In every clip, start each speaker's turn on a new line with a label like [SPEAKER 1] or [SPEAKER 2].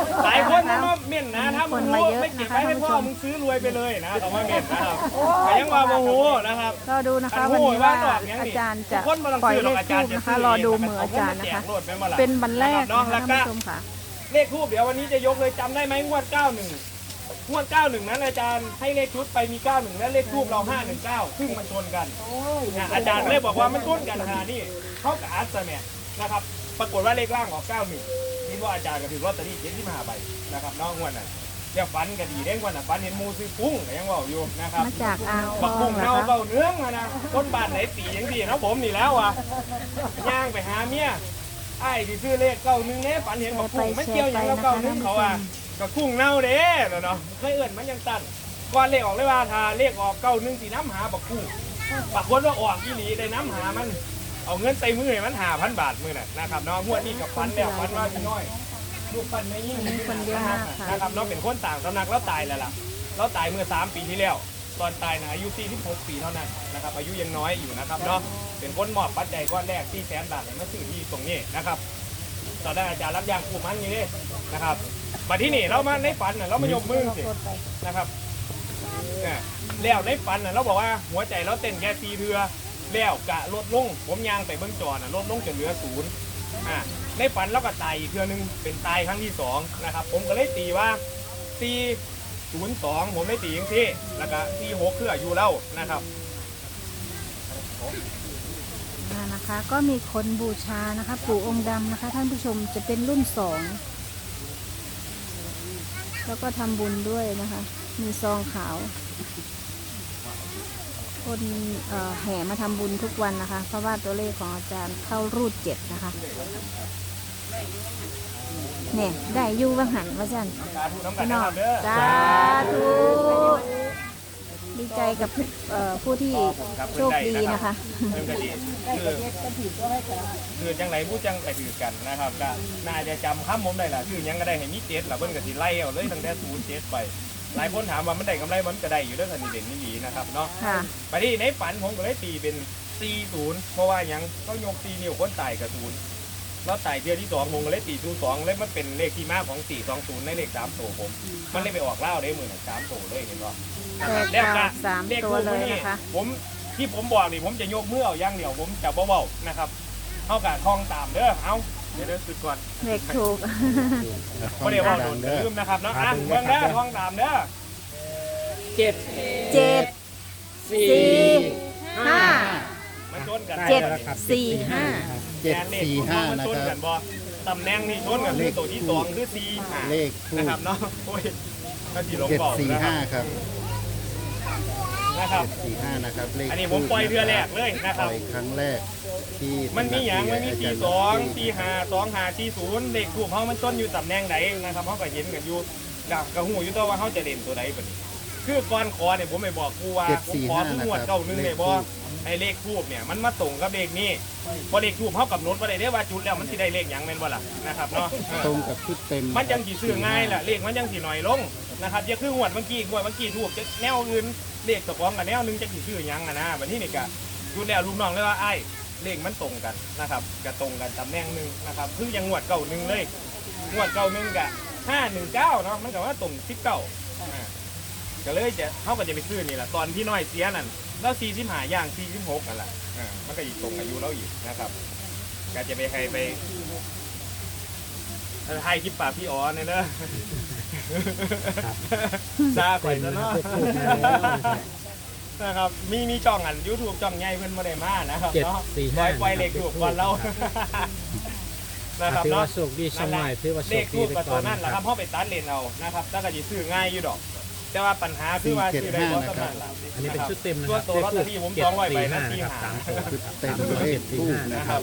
[SPEAKER 1] หลายคนมาเม่นนะถ้ามึงรู้ไม่เก็บไว้ให้พ่อมึงซื้อรวยไปเลยนะต้องมาเม่นนะครับแต่ยังว่าโมโหนะครับ
[SPEAKER 2] รอดูนะคะวันนี้ว่าอาจารย์จะปล่อยเลขทูบนะคะรอดูมืออาจารย์นะคะเป็นวันแรกนะคะท่านผู้ชมค่ะ
[SPEAKER 1] เลขทูบเดี๋ยววันนี้จะยกเลยจำได้ไหมงวด91งวด91นั้นอาจารย์ให้เลขชุดไปมี91และเลขทูบเรา519ซึ่งมันชนกันอาจารย์เลยบอกว่ามันชนกันขนาดนี้เขากับอาร์ตแมนนะครับปรากฏว่าเลขล่างออก91นี่ว่าอาจารย์ก็ถือลอตเตอรี่75ใบนะครับน้องงวดน่ะเดี๋ยวฟันกันดีเด้งวันน่ะฟันเห็นมูซื้อปุ้งยังว่าอยู่นะครับ
[SPEAKER 2] มาจากอ่างท
[SPEAKER 1] บั
[SPEAKER 2] อก ง
[SPEAKER 1] ปุ้ง
[SPEAKER 2] นะ
[SPEAKER 1] เน่า
[SPEAKER 2] คะ
[SPEAKER 1] เบาเนื้องนะคนบ้านไหนตีอย่างดีนะผมนี่แล้วอ่ะย่างไปหาเมียไอ้ที่ซื้อเลข91เนี่ยฝันเห็นบักปุ้งไม่เกี่ยวอย่างแล้ว91เขาอ่ะก็กุ้งเน่าเด้เนาะเคยเอื่นมันยังตันก่อนเลขออกเลยว่าถ้าเลขออก91สีน้ำหาบักกุ้งบักคนว่าออกอีหลีได้น้ำหามันเอาเงินใส่มือมัน5,000 บาทมือน่ะนะครับน้องงวดนี้กับฟันแล้วฟันว่าพี่น้อยลูกฟันไม่ยิ่งนะครับน้องเป็นคนต่างสำนักแล้วตายแล้วล่ะแล้วตายเมื่อ3 ปีที่แล้วตอนตายนะอายุ46 ปีเท่านั้นนะครับอายุยังน้อยอยู่นะครับเนาะเป็นคนมอบปัจจัยก้อนแรก400,000 บาทมาซื้อที่ตรงนี้นะครับตอนนั้นอาจารย์รับยางคู่มันอยู่นี่นะครับมาที่นี่เรามาในฝันน่ะเรามายกมือสินะครับแล้วในฝันน่ะเราบอกว่าหัวใจเราเต้นแค่4 เทือแล้วกะลดลงผมยางไปเบื้องจอน่ะลดลงจนเหลือ0ในฝันเราก็ตายอีกเทือนึงเป็นตายครั้งที่2นะครับผมก็เลยตีว่า402ผมได้ตีอย่างที่แล้วก็46คืออายุเรานะครับ
[SPEAKER 2] นะคะก็มีคนบูชานะคะปู่องค์ดำนะคะท่านผู้ชมจะเป็นรุ่น2แล้วก็ทำบุญด้วยนะคะมีซองขาวคนแห่มาทำบุญทุกวันนะคะเพราะว่าตัวเลขของอาจารย์เข้ารูด7นะคะเนี่ยได้ยู่ว่าหันว่าจันพี่น้องสาธุดีใจกับผู้ที่โชคดีนะคะ
[SPEAKER 1] คือจังไรผู้จังไปถือกันนะครับก็น่าจะจำข้ามผมได้ละคือยังก็ได้เห็นมี7ละเบิ้ลกับสีไล่เอาเลยตั้งแต่07ไปหลายคนถามว่ามันได้กำไรมันก็ได้อยู่ด้วยกันนี่เด่นนี่ดีนะครับเนาะไปที่ในฝันผมก็เลยตีเป็น40เพราะว่ายังก็ยก4 นิ้วคนตายกับ0แล้วตายเที่ยวที่2ผมก็เลยตี02เลยมันเป็นเลขที่มาของ420ในเลข3ตัวผมมันเลยไปออกเล่าได้เหมือน3ตัวเลยเห็นป่ะ
[SPEAKER 2] แล้วก็3 ตัวเลยนะคะ
[SPEAKER 1] ผมที่ผมบอกนี่ผมจะยกมือเอาอย่างเดียวผมจะเบาๆนะครับเท่ากับท่องตามเด้อเอาเดี๋ยวสุดก่อน
[SPEAKER 2] เลขถูก
[SPEAKER 1] ไม่ได้ว่าโดนลืมนะครับเนาะเบื้องเด้อท่องตามเด้อ
[SPEAKER 2] 7 4 5
[SPEAKER 1] มันชนกัน
[SPEAKER 2] 7 4 5
[SPEAKER 3] 745นะครับ
[SPEAKER 1] ตำแหน่งนี่ชนกันคือตัวที่2คือ4
[SPEAKER 3] เลข
[SPEAKER 1] นะครับเนาะโอ้ยก็ที่หลงบอก
[SPEAKER 3] 745ครับ
[SPEAKER 1] นะครับ
[SPEAKER 3] 745นะครับเลข
[SPEAKER 1] อันนี้ผมปล่อยเรือแรกเลยนะครับ
[SPEAKER 3] ปล่อยครั้งแรกที่
[SPEAKER 1] มันมีอย่างมันมี42 45 25 40เลขถูกเขามันต้นอยู่ตำแหน่งไหนนะครับเขาก็เห็นกันอยู่ดักกระหูอยู่ตัวว่าเขาจะเด่นตัวไหนแบบนี้คือก่อนขอเนี่ยผมไม่บอกกูว่าผมขอทุกงวด91เลยบอกไอ้เลขทูบเนี่ยมันมาตรงกับเลขนี้พอเลขทูบเขากับโน้ตว่าได้ว่าจุดแล้วมันสิได้เลขอย่างเป็นบ่ล่ะนะครับเนาะ
[SPEAKER 3] ตรงกับชุดเต็ม
[SPEAKER 1] มันยังสีซื้อง่ายแหละเลขมันยังสีหน่อยลงนะครับจะคืองวดเมื่อกี้ทูบจะแนวอื่นเลขตะกองกับแนวนึงจะสีซื้อยังนะแบบนี้นี่กะจุดแล้วลูกน้องเลยว่าไอ้เลขมันตรงกันนะครับกะตรงกันตำแหน่งนึงนะครับคือยังงวด91เลยงวด91กะ519เนาะมันก็ว่าตรง19ก็เลยจะเขาก็จะไปซื้อนี่แหละตอนที่น้อยเสียนั่นแล้ว45ย่าง46นั่นแหละมันก็อีกตรงอายุเราอีกนะครับก็จะไปใครไปให้คลิปปากพี่อ๋อเนี่ยนะซาก่อนจะเนาะนะครับมีช่องอัน YouTube ช่องใหญ่เพิ่นบ่ได้มานะครับเนาะปล่อยเลขถูกก่อนเรานะครับเนาะ
[SPEAKER 4] โชคดีช่องใหม่ถือว่าโชคดี
[SPEAKER 1] ไปก่อนนั่นแหละครับเพราะไปตัดเลนเอานะครับแล้วก็จะซื้อง่ายอยู่ดอกแต่ว่าปัญหาคือว่าซื้อได้บ่สำหรับ
[SPEAKER 4] อันนี้เป็นชุดเต็มนะค
[SPEAKER 1] รั
[SPEAKER 4] บ
[SPEAKER 1] ตัวลอตเตอรี่ผม200 ใบนะที่หา
[SPEAKER 3] เต็มเลขทูบนะครับ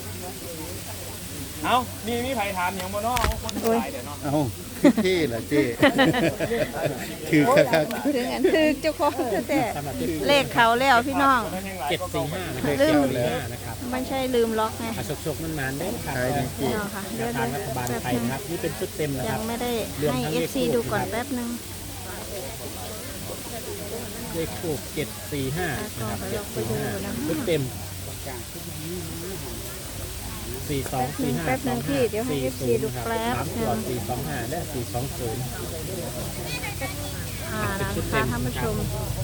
[SPEAKER 1] เอามีไผ่ถามอย่างบ่เนาะคนหลายเดี๋ยวเนาะ
[SPEAKER 3] เอาที่ล่ะเจ๊คือครับ
[SPEAKER 2] ถือเจ้าของแต่เลขเขาแล้วพี่น้อง
[SPEAKER 4] 745
[SPEAKER 2] ลืม
[SPEAKER 4] นะครับ
[SPEAKER 2] ไม่ใช่ลืมล็อกไง
[SPEAKER 4] โชคมันนานได้ครับ
[SPEAKER 2] พี่น้องค่ะเดี๋ยว
[SPEAKER 4] ทางรัฐบาลไทยนะครับนี่เป็นชุดเต็มนะครับ
[SPEAKER 2] ยังไม่ได้ให้ FC ดูก่อนแป๊บนึง
[SPEAKER 4] เลขทูบ745นะครับ745ชุดเต็ม 4245
[SPEAKER 2] แป๊บนึงพี่เดี๋ยวให้ FC ดูแป๊บ
[SPEAKER 4] 3
[SPEAKER 2] นึ
[SPEAKER 4] ตัว
[SPEAKER 2] ง
[SPEAKER 4] 425และ420
[SPEAKER 2] นะคะท่านผู้ชม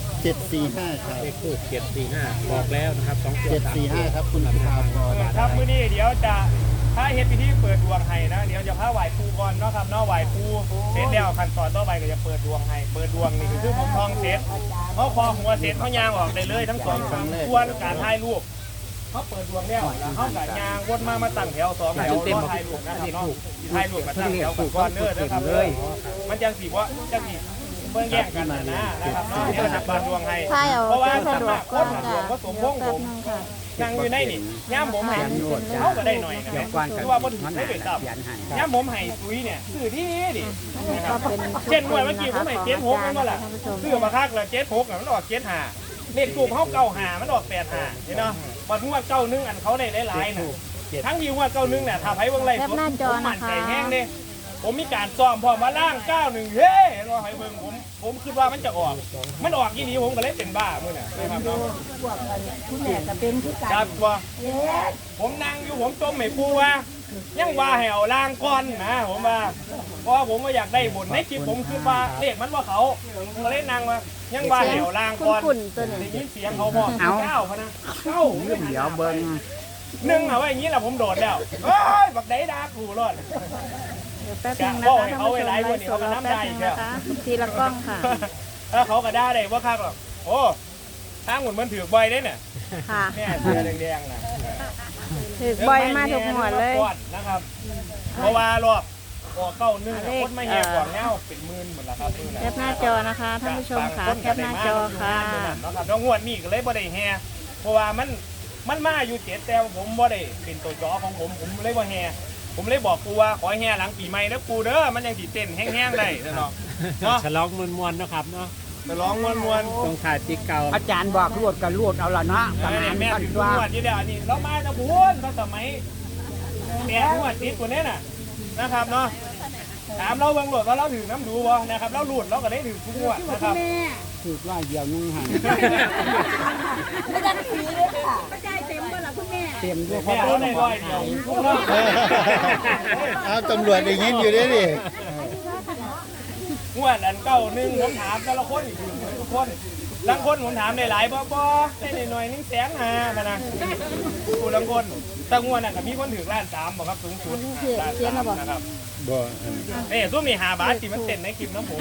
[SPEAKER 3] 745ครับ
[SPEAKER 4] เลขทูบ745บอกแล้วนะครับ2ตัว3ตัว
[SPEAKER 3] 745ครับคุณสุภาพร
[SPEAKER 1] ครับมื้อนี้เดี๋ยวจะถ้าเฮ็ดพิธีเปิดดวงให้นะเดี๋ยวจะพาไหว้ครูก่อนเนาะครับเนาะไหว้ครูเสร็จแล้วขั้นตอนต่อไปก็จะเปิดดวงให้เปิดดวงนี่คือผมทองเสร็จเขาคอหัวเสร็จเขายางออกได้เลยทั้งสองส่วนการถ่ายรูปเขาเปิดดวงแล้วเขากับยางวนมาตั้งแถว2แถวรอถ่ายรูปนะครับเนาะถ่ายรูปมาตั้งแถวก่อนเด้อนะครับเลยมันจังสิว่าจังสิเบิ่งแย่งกันนะครับเนาะเดี๋ยวจะเปิดดวงให้
[SPEAKER 2] ถ่ายเอา
[SPEAKER 1] เพราะว่า
[SPEAKER 2] สะ
[SPEAKER 1] สำ
[SPEAKER 2] ดว
[SPEAKER 1] นั
[SPEAKER 2] ก
[SPEAKER 1] ก
[SPEAKER 2] ก
[SPEAKER 1] ค
[SPEAKER 2] ว่าน
[SPEAKER 1] หล
[SPEAKER 2] จ้ะ
[SPEAKER 1] วงก็สมพงษ์
[SPEAKER 2] แป๊
[SPEAKER 1] ผ
[SPEAKER 2] บ
[SPEAKER 1] ม
[SPEAKER 2] นึงค่ะ
[SPEAKER 1] นั่งอยู่ในนี่ย่ามผมให้เขาก็ได้หน่อยนะคือว่าบนถึงได้เป็นตับย่ามผมให้ซุยเนี่ยซื้อที่นี่ดิ
[SPEAKER 2] ก็เป็น
[SPEAKER 1] เช่นหน่วยเมื่อกี้ผมให้เจ็ดหกนั่นว่าล่ะ
[SPEAKER 2] ท่านผู้ชม
[SPEAKER 1] ซื้อมาคักเลยเจ็ดหกมันออกเจ็ดห้าเลขถูกเขาเก้าห้ามันออก8 5เห็นเนาะบัดงวดเก้านึงอันเขาได้หลายๆน่ะทั้งที่งวดเก้านึงเนี่ยถ้าไผเบิ่งไล่
[SPEAKER 2] แคปหน้าจอ
[SPEAKER 1] ผมมั่
[SPEAKER 2] นะ
[SPEAKER 1] น
[SPEAKER 2] คะ
[SPEAKER 1] ใจแห้งเด้ผมมีการซ้อมพร้อมมาล่าง91เฮ้ยรอให้เบิ่งผมคิดว่ามันจะออกมันออกยี่นี้ผมก็เลยเป็นบ้ามื้อน่ะนะครับเนาะ
[SPEAKER 5] คุณแม่ก็เป็นที่กัน
[SPEAKER 1] ครับว่าผมนั่งอยู่ผมจมไม่ปูว่ายังว่าให้เอาล่างก่อนนะผมว่าเพราะผมว่าอยากได้บุญในคลิปผมคิดว่าเลขมันว่าเขาผมก็เลยนั่งว่ายังว่าให้เอาล่างก่อน
[SPEAKER 2] คุ้นๆตัวนี้
[SPEAKER 1] ได้ยินเสียงเขาบอกเก้าพะนะเก้าเดี๋ยวเบิ้งหนึ่งเอาไว้อย่างนี้แหละผมโดดแล้วเฮ้ยบักได้ดาผูรอด
[SPEAKER 2] เดี๋ยวแป๊บนึงนะคะท่านผู้ชมไลฟ์สดเราแป๊บนึงนะคะทีละกล้องค่ะ
[SPEAKER 1] ถ้าเขาก็ได้ว่าคักหรอกโอ้ทางหมุนมันถือใบได้เนี่ย
[SPEAKER 2] ค่ะ
[SPEAKER 1] เนี่ยเสื้อแดงๆนะ
[SPEAKER 2] ถือบ่อยมากทุกหัวเลย
[SPEAKER 1] นะครับ เพราะว่ารอบออกเก้านึงคนไม่แหกกว่าเงาเป็นหมื่นหมดแล้วครับ
[SPEAKER 2] แคปหน้าจอนะคะท่านผู้ชมค่ะแคปหน้าจอค่ะ
[SPEAKER 1] นะครับน้องงวดนี่ก็เลยบ่ได้แห่เพราะว่ามันมาอยู่7แต่ผมบ่ได้เป็นตัวจอของผมเลยบ่แห่ผมเลยบอกกูว่าขอแห่หลังปีใหม่นะกูเด้อมันยังสิเต้นแห้งๆได้เนาะเนาะ
[SPEAKER 4] ฉลองมวนๆนะครับเนาะ
[SPEAKER 1] ไปร้องมวน
[SPEAKER 4] ตรงถ่ายปีเก่า
[SPEAKER 5] อาจารย์บอกรวดก็รวดเอาละเนาะ
[SPEAKER 1] ๆ
[SPEAKER 5] ประมาณ
[SPEAKER 1] แม่
[SPEAKER 5] นั้น
[SPEAKER 1] ถึง
[SPEAKER 5] ว่า
[SPEAKER 1] งวดที่เดียวนี่เรามาจะพูนเขาสมัย8งวดติดตัวนี้น่ะนะครับเนาะถามเราเบิ่งโหลดว่าเราถือน้ำดูบ่นะครับเราหลุดเราก็ได้ถือทุกงวดนะครับ
[SPEAKER 5] ถูกว่าเดียวนึงหัน
[SPEAKER 6] ไม่ได้ผีเลยค่ะไม่ได้เต็มบ่ล่ะคุณแม่
[SPEAKER 5] เต็มด้วย
[SPEAKER 1] แม่เราได้ร้อยเดียวทุกงวด
[SPEAKER 3] เอาตำรวจได้ยินอยู่ด้วยดิ
[SPEAKER 1] งวดอันเก้าหนึ่งผมถามแต่ละคนอีกทุกคนบางคนผมถามได้หลายบ่ได้หน่อยนึง150,000นะผู้บางคนแต่งวดน่ะก็มีคนถือล้าน3บ่ครับสูงสุดล้าน3นะครับ
[SPEAKER 3] บ่
[SPEAKER 1] ซุ้มนี่5 บาทที่มันเต้นในคลิปน้ำผม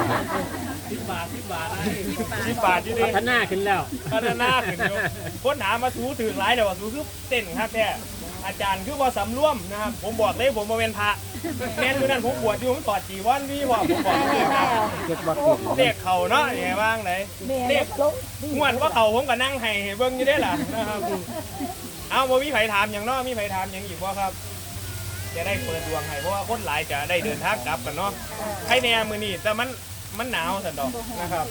[SPEAKER 1] 10 บาท10 บาทอยู่ดิ
[SPEAKER 4] พัฒนาขึ้นแล้ว
[SPEAKER 1] พัฒนาขึ้นอยู่คนถามมาสูถือหลายแต่ว่าสูคือเต้นครับแท้อาจารย์คือว่าสำรวมนะครับผมบอกเลยผมมาเป็นพระแม่นอยู่นั่นผมบวชอยู่ผมตอดจีวันพี่ว่าผมบอกเลยครับ
[SPEAKER 5] เก็บบ่ติด
[SPEAKER 1] เลขเข่าเนาะยังไงบ้างไหนเลขงวดว่าเข่าผมก็นั่งให้เบิ่งอยู่ได้ล่ะนะครับเอาบ่มีไผถามอย่างเนาะมีไผถามอย่างอีกบ่ครับจะได้เปิดดวงให้เพราะว่าคนหลายจะได้เดินทางกลับกันเนาะใครแน่มื้อนี้แต่มันหนาวสันดอกนะครับ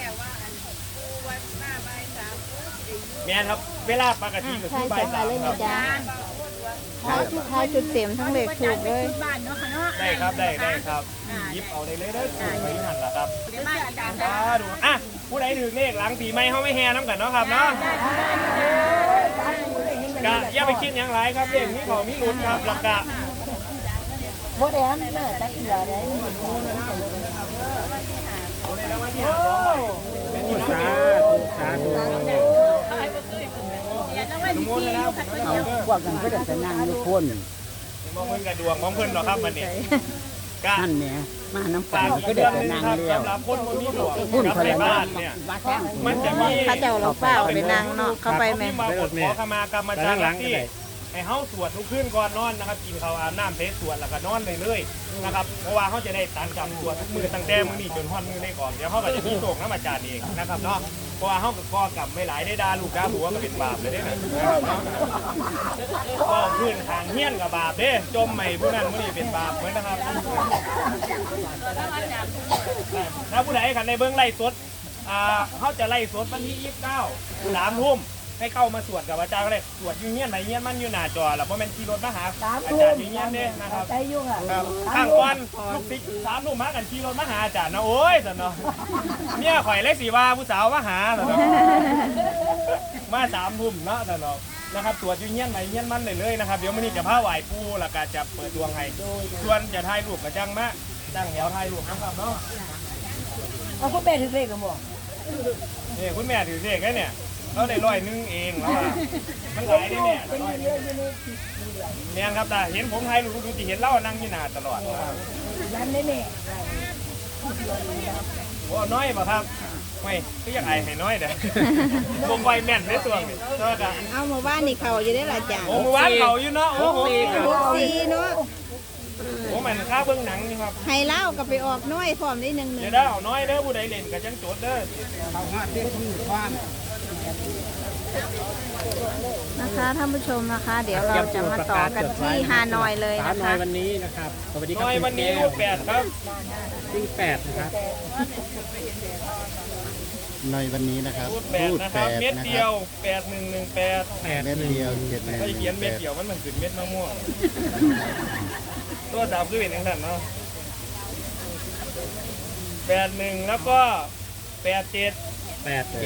[SPEAKER 1] แม่นครับเวลาปกติก็
[SPEAKER 2] ใช่
[SPEAKER 1] คือบ่าย
[SPEAKER 2] จะ
[SPEAKER 1] 3
[SPEAKER 2] เลย
[SPEAKER 1] ค
[SPEAKER 2] นะ
[SPEAKER 1] รับ
[SPEAKER 2] จ๊ะท้ายจุดเต็มทั้งเลขถูกเลย
[SPEAKER 6] บ้านเนาะค่ะเนาะ
[SPEAKER 1] ได้ครับได้ครับหยิบเอาได้เลยเด้อถูกไปหันล่ะครับ
[SPEAKER 6] เดี๋ยวมาอาจารย์
[SPEAKER 1] ดูอ่ะผู้ใดถือเลขหลังปีใหม่เขาไม่แห่น้ำกันเนาะครับเนาะกะอย่าไปคิดอย่างไรครับเลขนี้เขามีลุ้นครับหลักกะ
[SPEAKER 6] บ่ได้อันเด้อตะเกียได้
[SPEAKER 4] สาธุสาธุ
[SPEAKER 1] สมมตินะครับ
[SPEAKER 5] เอาพวกกันก็ได้แต่นั่งอยู่คน
[SPEAKER 1] มองเพิ่นกระดวงมองเพิ่นหรอกครับมันนี่กะ
[SPEAKER 5] นั่นแหละมาน้ำปลา
[SPEAKER 1] ฝากอี
[SPEAKER 5] ก็
[SPEAKER 1] ก
[SPEAKER 5] ได้
[SPEAKER 1] เรื่อง
[SPEAKER 5] แต่
[SPEAKER 1] นึง
[SPEAKER 5] นั่ง
[SPEAKER 1] ครับ
[SPEAKER 5] แล้ว
[SPEAKER 1] สำหรับคนคนนี้ดวง
[SPEAKER 5] พุ่น
[SPEAKER 1] กับ
[SPEAKER 5] คน
[SPEAKER 1] ใน
[SPEAKER 5] ละ
[SPEAKER 1] บ้านเนี่ย
[SPEAKER 5] บ้าแข้ง
[SPEAKER 1] มันจะมี
[SPEAKER 2] เขาเจ้าเราเปล่าไปนั่งเนาะเข้าไปแม่
[SPEAKER 1] มากดขอขมากรรมจารย์ที่ให้เฮาสวดทุกคืนก่อนนอนนะครับกินข้าวอาบน้ำเทสวดแล้วก็นอนเลยเลยนะครับเพราะว่าเขาจะได้ตันจำสวดทุกมือตั้งแต่มื้อนี้จนฮอดมื้อได้ก่อนเดี๋ยวเขาก็จะมีโศกน้ำอาจารย์เองนะครับเนาะเพราะว่าเขาก็ก่อกรรมไม่หลายได้ด่าลูกด่าผัวก็เป็นบาปเลยได้นะครับเนาะก็พื้นทางเฮี้ยนกับบาปเด้จมใหม่ผู้นั้นมื้อนี้เป็นบาปเหมือนนะครับถ้าผู้ใดขันในเบื้องไล่สดเขาจะไล่สดวันที่29 3 ทุ่มให้เข้ามาสวดกับอาจารย์ก็ได้สวดอยู่เงี้ยไหนเงี้ยมันอยู่หน้าจอแล้วเพราะมันขี่รถมาหาอาจารย์อยู่เงี้ยเนี่ยนะครับ
[SPEAKER 6] ใจยุ่งอ่ะ
[SPEAKER 1] ครับข้างก่อนลูกติ๊ก3 ทุ่มมากันขี่รถมาหาอาจารย์นะโอ้ยสันเนาะเนี่ยข่อยเล็กสีว่าผู้สาวมาหาสันเนาะมา3 ทุ่มเนาะสันเนาะนะครับตรวจอยู่เงี้ยนไหนเงี้ยนมันเลยนะครับเดี๋ยวมื้อนี้จะพาไหว้ปู่แล้วก็จะเปิดดวงให้ส่วนจะถ่ายรูปกับจังมาตั้งแถวถ่ายรูปนะครับเนาะ
[SPEAKER 6] เอาคุณแม่ถือเลขกันบ่
[SPEAKER 1] นี่คุณแม่ถือเลขได้เนี่ยเราได้100เองแล้วว่ามันหลายได้เนี่ยเนี่ยครับตาเห็นผมถ่ายรูปดูสิเห็นเรานั่งอยู่หน้าตลอดนะครับ
[SPEAKER 6] ยันได้แม่
[SPEAKER 1] โอ้น้อยป่ะครับไม่ก็อยากไอ้ให้น้อยเด้อวงไวแม่นในตัวนี่เท่ากัน
[SPEAKER 2] เอาหมู่บ้านนี่เขาอยู่ได้หลายจาน
[SPEAKER 1] โอ้เมื่อวานเขาอยู่เนาะโอ้โห
[SPEAKER 2] 64เนาะ
[SPEAKER 1] โอ้มันค่าเบื้องหนังนี่ครับ
[SPEAKER 2] ให้เล่าก็ไปออกน้อยพร้อมได้หนึง
[SPEAKER 1] เดี๋ยวได้เอาน้อยเด้อผู้ใดเล่นกับจังโจทย์เด้อ
[SPEAKER 5] เขาหาเด็กที่บ้าน
[SPEAKER 2] นะคะท่านผู้ชมนะคะ เดี๋ยวเราจะมาต่อกันที่ฮานอยเลย
[SPEAKER 4] สา
[SPEAKER 2] นะ
[SPEAKER 4] หน่อ
[SPEAKER 2] คะ
[SPEAKER 4] ยวันนี้นะครับสวัสดีครับ
[SPEAKER 1] น้อยวันนี้รูป8ครับ
[SPEAKER 4] ที่8นะครับ
[SPEAKER 3] ในวันนี้นะครับ
[SPEAKER 1] รูป8นะครับเม็ด
[SPEAKER 3] นะ
[SPEAKER 1] เดี
[SPEAKER 3] ค
[SPEAKER 1] ย
[SPEAKER 3] รั
[SPEAKER 1] ว
[SPEAKER 3] บ
[SPEAKER 1] 8118
[SPEAKER 3] เม็ดเดียว7
[SPEAKER 1] ถ้าเขียนเม็ดเดียวมันเหมือนขึ้นเม็ดมะม่วงตัวดาวคือเป็นอย่างนั้นเนาะ81แล้วก็87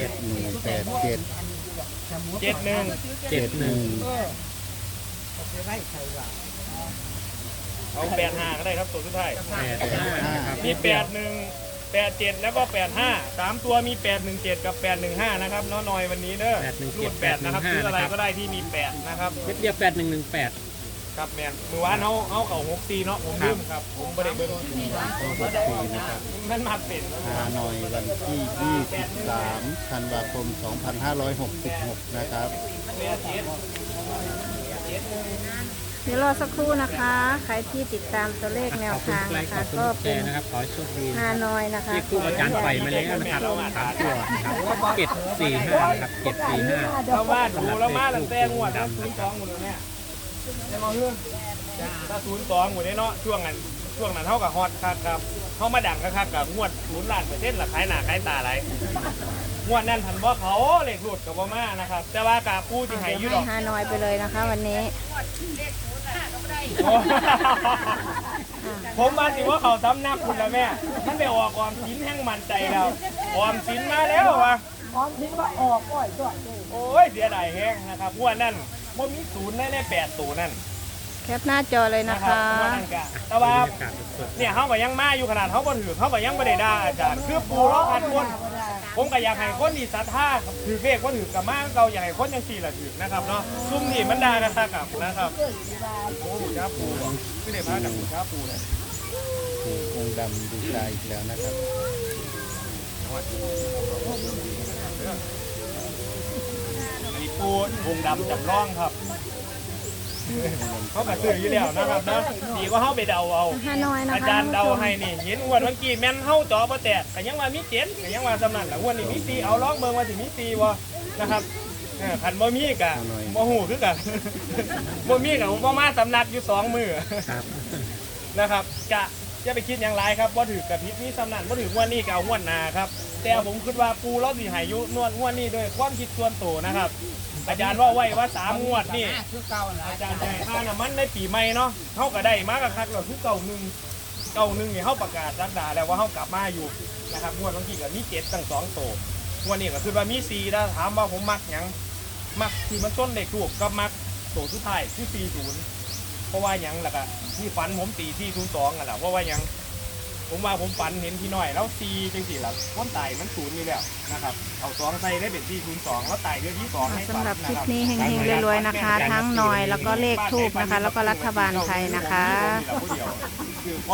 [SPEAKER 4] 8 7
[SPEAKER 3] 1 8 7
[SPEAKER 1] 71
[SPEAKER 3] 7 1
[SPEAKER 1] เอา85ก็ได้ครับตัวสุดท้าย
[SPEAKER 4] 8 5นะครับ
[SPEAKER 1] มี81 87แล้วก็85 3ตัวมี 817กับ815นะครับน้อยวันนี้เด้อรูด8นะครับซื้ออะไรก็ได้ที่มี8นะครับ
[SPEAKER 4] เม็ดเดียว8118
[SPEAKER 1] ครับแมนมือวานเอาเก่า64เนาะผมลืมครับผมไม่ได้เบิ่ง
[SPEAKER 3] 64นะครับ
[SPEAKER 1] มันมาเป็น
[SPEAKER 3] ฮานอยวันที่ 23 ธันวาคม 2566 นะครับ
[SPEAKER 2] เดี๋ยวรอสักครู่นะคะ ใครที่ติดตามตัวเลขแนว
[SPEAKER 4] ขอบคุณ
[SPEAKER 2] ทาง
[SPEAKER 4] ไล
[SPEAKER 2] นะ
[SPEAKER 4] ค์ข
[SPEAKER 2] คะ
[SPEAKER 4] อบคุณ
[SPEAKER 2] ก็
[SPEAKER 4] แช
[SPEAKER 2] เป็น
[SPEAKER 4] ร์นะครับขอให้โชคดี
[SPEAKER 2] ฮานอยนะคะ
[SPEAKER 4] ที่ครูอาจารย์ไปมาแล้วนะครับ3ตัวนะครับ745ครับ745
[SPEAKER 1] เรามาดูแล้วมาตั้งแต่งวดนะ02หมดเลยเนี่ยจะมาเฮือถ้า02หมดเลยเนาะช่วงนั้นเท่ากับฮอตครับเขามาดังครับกับงวด0%ละขายหน้าขายตาอะไรงวดนั้นทันบ่เขาเลขหลุดกับบ่มานะครับแต่ว่ากาปูที่ให้อยู่ด
[SPEAKER 2] ให้
[SPEAKER 1] อก
[SPEAKER 2] ฮานอยไปเลยนะคะ วันนี้
[SPEAKER 1] ผมมาสิว่าเขาซ้ำนักคุณแล้วแม่มันไปออกออมสินแห่งมันใจแล้วออมสินมาแล้ววะ
[SPEAKER 6] พร้อมทิ้งว่าออกก้อยก่อนเลย
[SPEAKER 1] โอ้ยเสียดายแห้งนะครับงวดนั้นบ่มี0ได้8ตัวนั่น
[SPEAKER 2] แคปหน้าจอเลยนะ
[SPEAKER 1] นะครั
[SPEAKER 2] คะ
[SPEAKER 1] บงวดนั้นกะแต่ว่าเนี่ยเขาก็ยังมาอยู่ขนาดเขาบ่ถือเขาก็ยังบ่ได้ด่าอาจารย์คือปูร้องอัดคนผมก็อยากให้คนที่ศรัทธาถือเลขว่าถือกับมาเราอยากให้คนจังซี่ล่ะถือนะครับเนาะซุ่มนี่มันด่ากันซะกับนะครับโอ้โหจ้าปูคือได้พากับจ้าปูเลย
[SPEAKER 3] องค์ดำดูใจอีกแล้วนะครับ
[SPEAKER 1] อันนี้ปูวงดำจำลองครับเขากระตืออยู่แล้วนะครับนะดีก็เข้าไปเดาเอา
[SPEAKER 2] ฮานอยนะคะ
[SPEAKER 1] อาจารย์เดาให้นี่เห็นงวดเมื่อกี้แม่นเข้าจอประแตกแต่ยังว่ามีเจ็ดแต่ยังว่าสำนักแต่งวดนี้มีตีเอาล้องเบิ่งว่าสิมีตีบ่นะครับขันบ่มีกะบ่หูคือกัน บ่มีกะผมบ่มาสำนักอยู่2มื้อ
[SPEAKER 4] ครับ
[SPEAKER 1] นะครับกะอย่าไปคิดอย่างไรครับบ่ถือกับพิษนี้สำนักบ่ถืองวดนี้ก็เอางวดหน้าครับแต่ผมคิดว่าปูเราสิให้อยู่งวดนี้ด้วยความคิดส่วนตัวนะครับ อาจารย์ว่าไว้ว่า3งวดนี่
[SPEAKER 5] คือเก่าหลาย
[SPEAKER 1] อาจารย์ใจค่าน้ำมันในปีใหม่เนาะเขาก็ได้มากคักเราทุกเก่าหนึ่งนี่เขาประกาศรักดาแล้วว่าเขากลับมาอยู่นะครับงวดบางทีก็มี7ตั้ง2โตงวดนี้ก็คือว่ามี4นะถามว่าผมมักหยังมักที่มันต้นเด็กถูกก็มักโตสุดท้ายที่40เพราะว่าหยังล่ะก็ที่ฝันผมตีที่02กันแหละเพราะว่าหยังผมว่าผมฝันเห็นพี่น้อยแล้ว4จังสี่ล่ะคนตายมัน0นี่แล้วนะครับเอา2ใส่ได้เป็นที่02แล้วตายเดือนที่2ให้ฝัน
[SPEAKER 2] สำหรับคลิป
[SPEAKER 1] นะครับ
[SPEAKER 2] นี้เฮงๆรวยๆนะคะ ทั้งหน่อยแล้วก็เลขทูบนะคะ แล้วก็รัฐบาลไทยนะคะ